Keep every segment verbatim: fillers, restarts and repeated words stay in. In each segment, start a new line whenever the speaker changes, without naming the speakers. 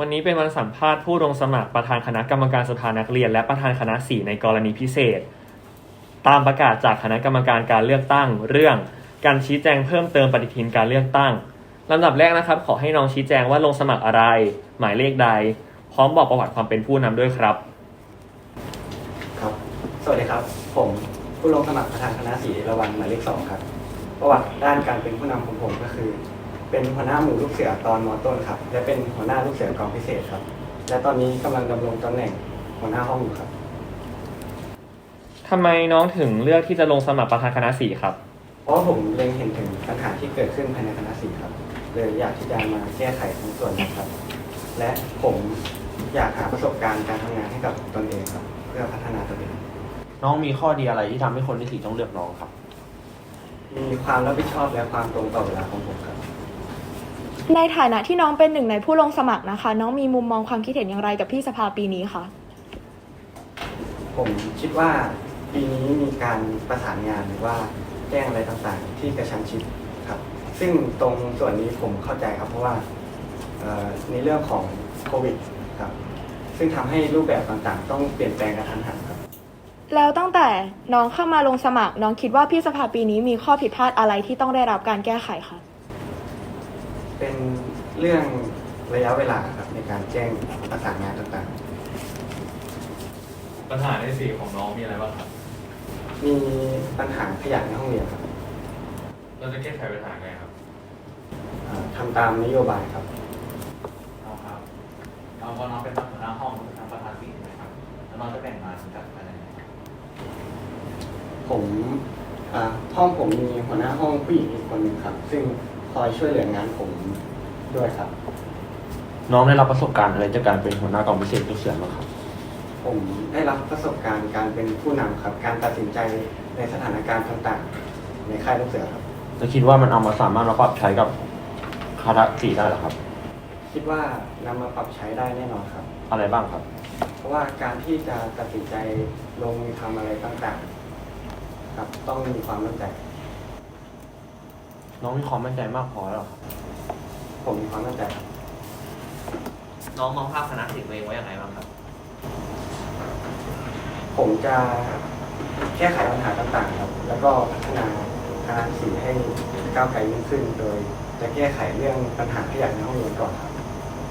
วันนี้เป็นวันสัมภาษณ์ผู้ลงสมัครประธานคณะกรรมการสภานักเรียนและประธานคณะสี่ในกรณีพิเศษตามประกาศจากคณะกรรมการการเลือกตั้งเรื่องการชี้แจงเพิ่มเติมปฏิทินการเลือกตั้งลำดับแรกนะครับขอให้น้องชี้แจงว่าลงสมัครอะไรหมายเลขใดพร้อมบอกประวัติความเป็นผู้นำด้วยครับ
ครับสวัสดีครับผมผู้ลงสมัครประธานคณะสี่ระวันหมายเลขสองครับประวัติด้านการเป็นผู้นำของผมก็คือเป็นหัวหน้าหมู่ลูกเสือตอนม.ต้นครับและเป็นหัวหน้าลูกเสือกองพิเศษครับและตอนนี้กำลังดำรงตำแหน่งหัวหน้าห้องอยู่ครับ
ทำไมน้องถึงเลือกที่จะลงสมัครประธานคณะสี่ครับ
เพราะผมเล็งเห็นถึงปัญหาที่เกิดขึ้นภายในคณะสี่ครับเลยอยากที่จะมาแก้ไขในส่วนนี้ครับและผมอยากหาประสบการณ์การทำงานให้กับตนเองครับเพื่อพัฒนาตนเอง
น้องมีข้อดีอะไรที่ทำให้คนที่สี่ต้องเลือกน้องครับ
มีความรับผิดชอบและความตรงต่อเวลาของผมครับ
ในฐานะที่น้องเป็นหนึ่งในผู้ลงสมัครนะคะน้องมีมุมมองความคิดเห็นอย่างไรกับพี่สภาปีนี้คะ
ผมคิดว่าปีนี้มีการประสานงานหรือว่าแจ้งอะไรต่างๆที่กระชั้นชิดครับซึ่งตรงส่วนนี้ผมเข้าใจครับเพราะว่าในเรื่องของโควิดครับซึ่งทำให้รูปแบบต่างๆต้องเปลี่ยนแปลงกระทันหันครับ
แล้วตั้งแต่น้องเข้ามาลงสมัครน้องคิดว่าพี่สภาปีนี้มีข้อผิดพลาดอะไรที่ต้องได้รับการแก้ไขคะ
เป็นเรื่องระยะเวลาครับในการแจ้งประสานงานต่าง
ๆปัญหาในสี่ของน้องมีอะไรบ้างครับ
มีปัญหาขยะในห้องเรียนครับ
เราจะแก้ไขปัญหาไงครับ
ทำตามนโยบายครับ
เอาครับเอาพอน้องเป็นหัวหน้าห้องเป็นประธานสี่ใช่ไหมครับแล้วน้องจะแบ่งงานกับอะไร
ผมห้องผมมีหัวหน้าห้องผู้หญิงอีกคนหนึ่งครับซึ่งคอยช่วยเหลืองานผมด้วยครับ
น้องได้รับประสบการณ์อะไรจากการเป็นหัวหน้ากองพิเศษลูกเสือบ้างครับ
ผมได้รับประสบการณ์การเป็นผู้นำครับการตัดสินใจในสถานการณ์ต่างๆในค่ายลูกเสือครับ
จะคิดว่ามันเอามาสามารถมาปรับใช้กับคณะสี่ได้หรอครับ
คิดว่านำมาปรับใช้ได้แน่นอนครับ
อะไรบ้างครับ
เพราะว่าการที่จะตัดสินใจลงมือทำอะไรต่างๆครับต้องมีความมั่นใจ
น้องมีความมั่นใจมากพอแล้วครับ
ผมมีความมั่นใจครับ
น้องมองภาพคณะสี่ตัวเองไว้อย่างไรบ้างครับ
ผมจะแก้ไขปัญหาต่างๆครับแล้วก็พัฒนาคณะสี่ให้ก้าวไกลยิ่งขึ้นโดยจะแก้ไขเรื่องปัญหาขยะในห้องเรียนก่อนครับ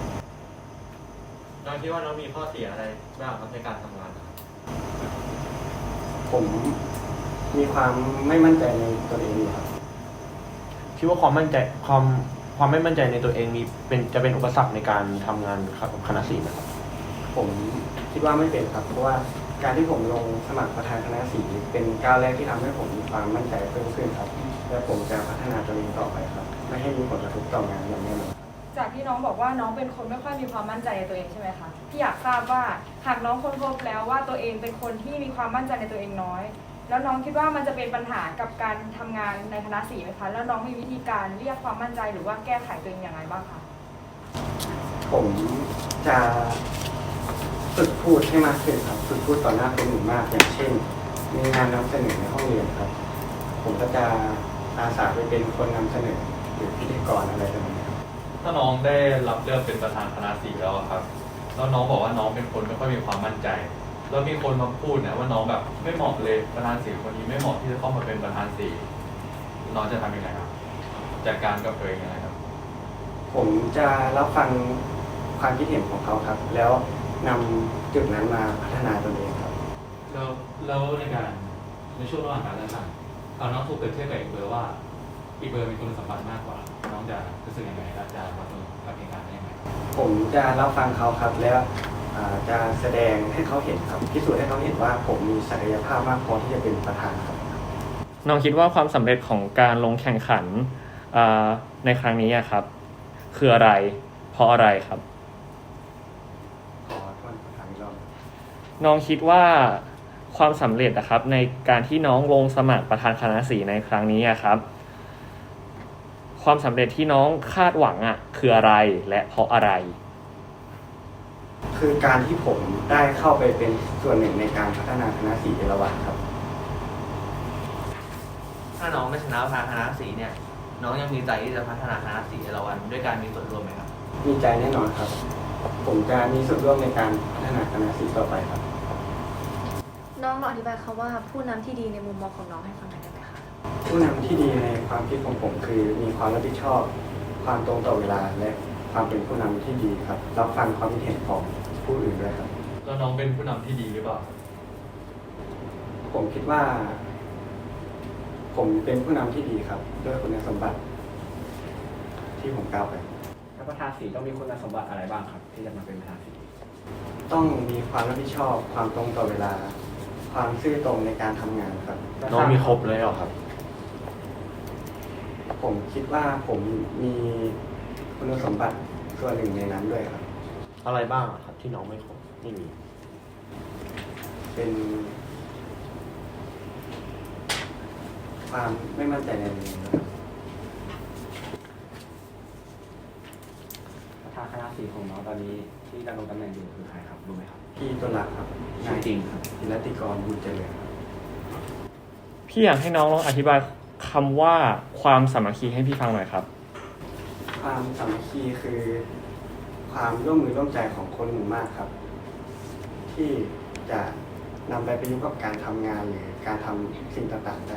น้องคิดว่าน้องมีข้อเสียอะไรบ้างครับในการทำงานครับ
ผมมีความไม่มั่นใจในตัวเองครับ
คิดว่าความมั่นใจความความไม่มั่นใจในตัวเองมีเป็นจะเป็นอุปสรรคในการทำงานคณะสี่ไหมครับ
ผมคิดว่าไม่เป็นครับเพราะว่าการที่ผมลงสมัครประธานคณะสี่เป็นก้าวแรกที่ทำให้ผมมีความมั่นใจเพิ่มขึ้นครับและผมจะพัฒนาตัวเองต่อไปครับไม่ให้มีผลกระทบต่องานอย่างแน่นอน
จากที่น้องบอกว่าน้องเป็นคนไม่ค่อยมีความมั่นใจในตัวเองใช่ไหมคะพี่อยากทราบว่าหากน้องค้นพบแล้วว่าตัวเองเป็นคนที่มีความมั่นใจในตัวเองน้อยแล้วน้องคิดว่ามันจะเป็นปัญหากับการทำงานในคณะสี่ไหมคะแล้วน้องมีวิธีการเรียกความมั่นใจหรือว่าแก้ไขตัวเองอย่างไรบ้างคะ
ผมจะฝึกพูดให้มากขึ้นครับฝึกพูดต่อหน้าคนหมู่มากอย่างเช่นมีงานนำเสนอในห้องเรียนครับผมก็จะอาสาไปเป็นคนนำเสนอหรือพิธีกรอะไรแบบนี้ครับ
ถ้าน้องได้รับเลือกเป็นประธานคณะสี่แล้วครับแล้วน้องบอกว่าน้องเป็นคนไม่ค่อยมีความมั่นใจแล้วมีคนมาพูดเนี่ยว่าน้องแบบไม่เหมาะเลยประธานสี่คนนี้ไม่เหมาะที่จะเข้ามาเป็นประธานสี่น้องจะทำยังไงครับจัดการกับตัวเองยังไงครับ
ผมจะรับฟังความคิดเห็นของเขาครับแล้วนำจุดนั้นมาพัฒนาตนเองครับ
แล้วแล้วในการในช่วงระหว่างการเลือกตั้งเอาน้องถูกเปรียบเทียบกับอีกเบอร์ว่าอีกเบอร์มีคุณสมบัติมากกว่าน้องจะรู้สึกยังไงและจะรับมือกับเหตุการณ์ได้ยังไง
ผมจะรับฟังเขาครับแล้วจะแสดงให้เขาเห็นครับพิสูจน์ให้เขาเห็นว่าผมมีศักยภาพมากพอที่จะเป็นประธานครับ
น้องคิดว่าความสำเร็จของการลงแข่งขันในครั้งนี้ครับคืออะไรเพราะอะไรครับ
ขอโทษถามอีกรอบ
น้องคิดว่าความสำเร็จนะครับในการที่น้องลงสมัครประธานคณะสี่ในครั้งนี้ครับความสำเร็จที่น้องคาดหวังอ่ะคืออะไรและเพราะอะไร
คือการที่ผมได้เข้าไปเป็นส่วนหนึ่งในการพัฒนาคณะสี่เอราวัณครับ
ถ้าน้องไม่ชนะประธานคณะสี่เนี่ยน้องยังมีใจที่จะพัฒนาคณะสี่เอราวัณด้วยการมีส่วนร่วมไหมครับ
มีใจแน่นอนครับผมจะมีส่วนร่วมในการพัฒนาคณะศิลป์ต่อไปครับ
น้องลองอธิบายคำว่าผู้นำที่ดีในมุมมองของน้องให้ฟังหน่อยได้ไหมคะ
ผู้นำที่ดีในความคิดของผมคือมีความรับผิดชอบ ความตรงต่อเวลาและความเป็นผู้นำที่ดีครับรับฟังความคิดเห็นของผู้อื่นด้วยครับ
แล้วน้องเป็นผู้นำที่ดีหรือเปล่า
ผมคิดว่า ผมเป็นผู้นำที่ดีครับด้วยคุณสมบัติ ที่ผมกล่าวไป
แล้วประธานสีต้องมีคุณสมบัติอะไรบ้างครับ ที่จะมาเป็นประธานสี
ต้องมีความรับผิดชอบ ความตรงต่อเวลา ความซื่อตรงในการทำงานครับ
น้องมีครบเลยเหรอครับ
ผมคิดว่าผมมีคุณสมบัติส่วนหนึ่งในนั้นด้วยครับ
อะไรบ้างอะครับ ที่น้องไม่ครบไม่มี
เป็น ความไม่มั่นใจในตัวเองนะครับ
ประธานคณะสีของน้องตอนนี้ที่ดำรงตำแหน่งอยู่คือใครครับรู้ไหมครับ
พี่ต้นรักครับ
ชื่อจริงครับ
จิรติกรบุญเจริญครับ
พี่อยากให้น้องลองอธิบายคำว่าความสามัคคีให้พี่ฟังหน่อยครับ
ความสามัคคีคือ ความร่วมมือร่วมใจของคนหมู่มากครับ ที่จะนำไปประยุกต์กับการทำงานหรือการทำสิ่งต่างๆได้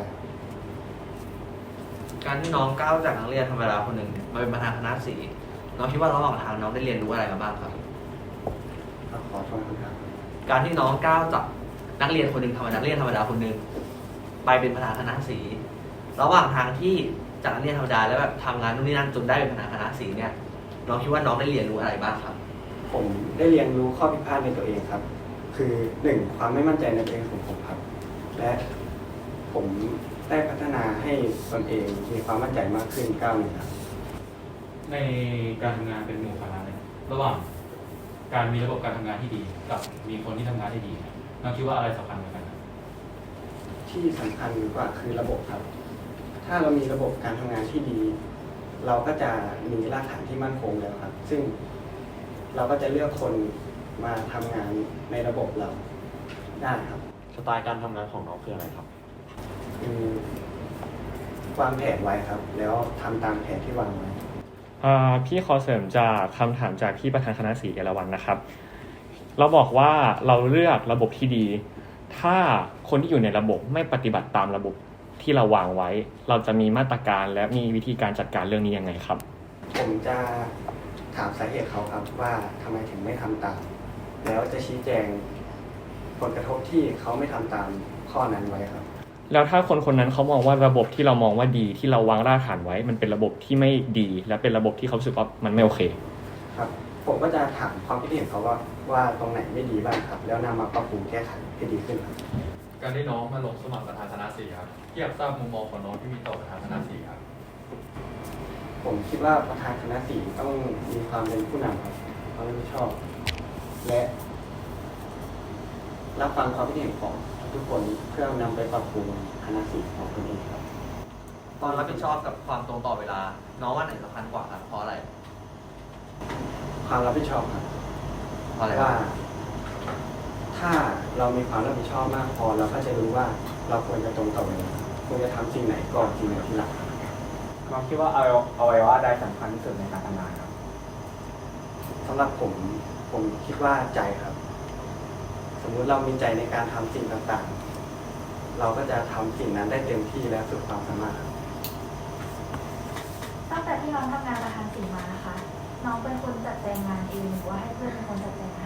การที่น้องก้าวจากนักเรียนธรรมดาคนหนึ่งมาเป็นประธานคณะสีน้องคิดว่าระหว่างทางน้องได้เรียนรู้อะไรมาบ้างครับ
ก็ขอโทษครับ
การที่น้องก้าวจากนักเรียนคนหนึ่งธรรมดานักเรียนธรรมดาคนหนึ่งไปเป็นประธานคณะสีระหว่างทางที่จากนักเรียนธรรมดาแล้วแบบทำงานนู่นนี่นั่นจนได้เป็นประธานคณะสีเนี่ยน้องคิดว่าน้องได้เรียนรู้อะไรบ้างครับ
ผมได้เรียนรู้ข้อผิดพลาดในตัวเองครับ คือหนึ่งความไม่มั่นใจในตัวเองของผมครับ และผมได้พัฒนาให้ตนเองมีความมั่นใจมากขึ้นก้าวหนึ่งครับ
ในการทำงานเป็นหมู่คณะเนี่ยระหว่างการมีระบบการทำงานที่ดี กับมีคนที่ทำงานที่ดีเนี่ยน้องคิดว่าอะไรสำคัญกว่ากันครับ
ที่สำคัญกว่าคือระบบครับ ถ้าเรามีระบบการทำงานที่ดี เราก็จะมีรากฐานที่มั่นคงแล้วครับ ซึ่งเราก็จะเลือกคนมาทำงานในระบบเราได้ครับ
สไตล์การทำงานของน้องคืออะไรครับ
คือวางแผนไว้ครับ แล้วทำตามแผนที่วางไว้
อ่าพี่ขอเสริมจากคำถามจากพี่ประธานคณะสีเอราวัณนะครับ เราบอกว่าเราเลือกระบบที่ดี ถ้าคนที่อยู่ในระบบไม่ปฏิบัติตามระบบที่เราวางไว้ เราจะมีมาตรการและมีวิธีการจัดการเรื่องนี้ยังไงครับ
ผมจะถามสาเหตุเขาครับว่าทำไมถึงไม่ทำตาม แล้วจะชี้แจงผลกระทบที่เขาไม่ทำตามข้อนั้นไว้ครับ
แล้วถ้าคนคนนั้นเขามองว่าระบบที่เรามองว่าดีที่เราวางรากฐานไว้ มันเป็นระบบที่ไม่ดี และเป็นระบบที่เขารู้สึกว่ามันไม่โอเค
ครับ ผมก็จะถามความคิดเห็นเขาว่าว่าตรงไหนไม่ดีบ้างครับ แล้วนำมาปรับปรุงแก้ไขให้ดีขึ้นครับ
การที่น้องมาลงสมัครประธานคณะสีครับพี่อยากทราบมุมมองของน้องที่มีต่อประธานคณะสีครับ
ผมคิดว่าประธานคณะสีต้องมีความเป็นผู้นำครับความรับผิดชอบ และรับฟังความคิดเห็นของทุกคนเพื่อนำไปปรับปรุงคณะสีของตนเองครับ
ความรับผิดชอบกับความตรงต่อเวลา น้องว่าไหนสำคัญกว่าครับเพราะอะไร
ความรับผิดชอบครับ
เพราะอะไร
ว่า ถ้าเรามีความรับผิดชอบมากพอเราก็จะรู้ว่าเราควรจะตรงต่อเวลาควรจะทำสิ่งไหนก่อนสิ่งไหนทีหลัง
น้องคิดว่าอวัยวะใดสำคัญที่สุดในการทำงานครับ
สำหรับผมผมคิดว่าใจครับ สมมุติเรามีใจในการทำสิ่งต่างๆ เราก็จะทำสิ่งนั้นได้เต็มที่และสุดความสามารถครับ
ตั้งแต่ที่น้องทำงานประธานสีมานะคะ น้องเป็นคนจัดแจงงานเองหรือว่าให้เพื่อนเป็นคนจัดแจงให้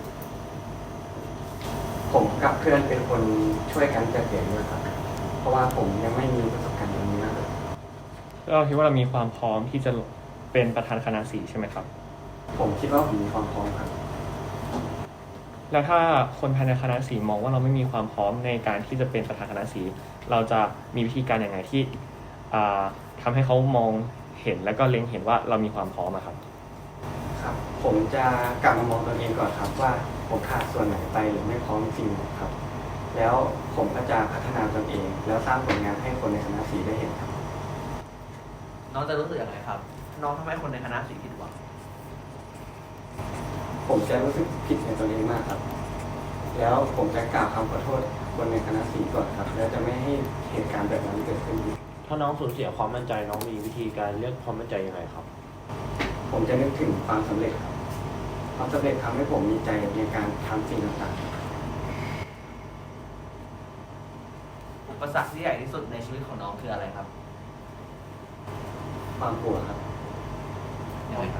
ผมกับเพื่อนเป็นคนช่วยกันจัดเก็บด้วยครับ เพราะว่าผมยังไม่มีประสบการณ์ตรงนี้นะครับ
เราคิดว่าเรามีความพร้อมที่จะเป็นประธานคณะสีใช่ไหมครับ
ผมคิดว่าผมมีความพร้อมครับ
แล้วถ้าคนภายในคณะสีมองว่าเราไม่มีความพร้อมในการที่จะเป็นประธานคณะสีเราจะมีวิธีการอย่างไรที่อ่าทำให้เขามองเห็นแล้วก็เล็งเห็นว่าเรามีความพร้อมอะครับ
ครับ ผมจะกลับมามองตัวเองก่อนครับ ว่าผมขาดส่วนไหนไปหรือไม่พร้อมจริงครับ แล้วผมก็จะพัฒนาตนเอง แล้วสร้างผลงานให้คนในคณะสีได้เห็นครับ
น้องจะรู้สึกยังไงครับ น้องทำให้คนในคณะสีผิดหวัง
ผมจะรู้สึกผิดในตัวเองมากครับ แล้วผมจะกล่าวคำขอโทษคนในคณะสีก่อนครับ แล้วจะไม่ให้เหตุการณ์แบบนั้นเกิดขึ้นอีก
ถ้าน้องสูญเสียความมั่นใจน้องมีวิธีการเรียกความมั่นใจยังไงครับ
ผมจะนึกถึงความสำเร็จครับความสำเร็จทำให้ผมมีใจในการทำสิ่งต่างๆ
อุปสรรคที่ใหญ่ที่สุดในชีวิตของน้องคืออะไรครับ
ความกลัวครับ
ยังไงครับ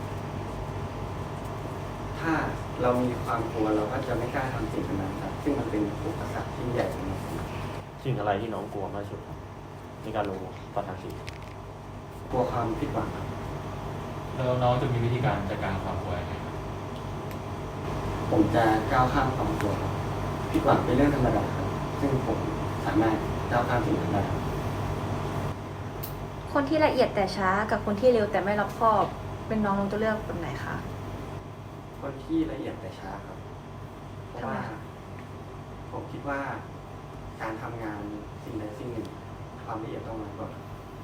ถ้าเรามีความกลัวเราก็จะไม่กล้าทำสิ่งนั้นครับ ซึ่งมันเป็นอุปสรรคที่ใหญ่สำหรับผม
สิ่งอะไรที่น้องกลัวมากที่สุดครับในการลงประธานสี
กลัวความผิดหวังครับ
แล้วน้องจะมีวิธีการจัดการความกลัวยังไงครับ
ผมจะก้าวข้ามความกลัวครับผิดหวังเป็นเรื่องธรรมดาครับ ซึ่งผมสามารถก้าวข้ามสิ่งนั้นได้ครับ
คนที่ละเอียดแต่ช้ากับคนที่เร็วแต่ไม่รอบคอบ เป็นน้องน้องจะเลือกคนไหนคะ
คนที่ละเอียดแต่ช้าครับ เพราะว่า
ทำไมคะ
ผมคิดว่าการทำงานสิ่งใดสิ่งหนึ่ง ความละเอียดต้องมากกว่า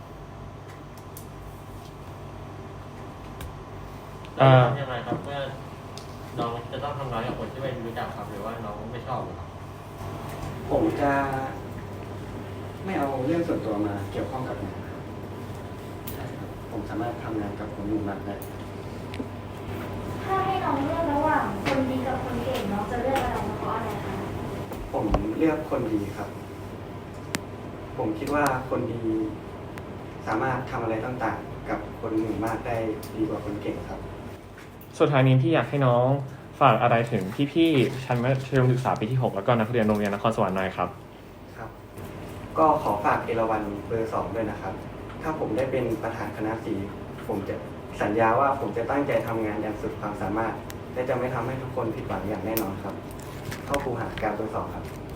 เอ่อ
ยังไงครับเมื่อน้องจะต้องทำงานกับคนที่ไม่รู้จักครับหรือว่าน้องไม่ชอบครับ
ผมจะไม่เอาเรื่องส่วนตัวมาเกี่ยวข้องกับงานครับใช่ครับ ผมสามารถทำงานกับคนหมู่มากได้
ถ้าให้น้องเลือกระหว่างคนดีกับคนเก่งน้องจะเลือกอะไรเพราะอะไรคะ
ผมเลือกคนดีครับ ผมคิดว่าคนดีสามารถทำอะไรต่างๆ กับคนหมู่มากได้ดีกว่าคนเก่งครับ
สุดท้ายนี้พี่อยากให้น้องฝากอะไรถึงพี่ๆชั้นมัธยมศึกษาปีที่หกแล้วก็นักเรียนโรงเรียนนครสวรรค์หน่อยครับ
ครับ ก็ขอฝากเอราวัณเบอร์สองด้วยนะครับ ถ้าผมได้เป็นประธานคณะสีผมจะสัญญาว่าผมจะตั้งใจทำงานอย่างสุดความสามารถ และจะไม่ทำให้ทุกคนผิดหวังอย่างแน่นอนครับ เข้าครูหาการเบอร์สองครับ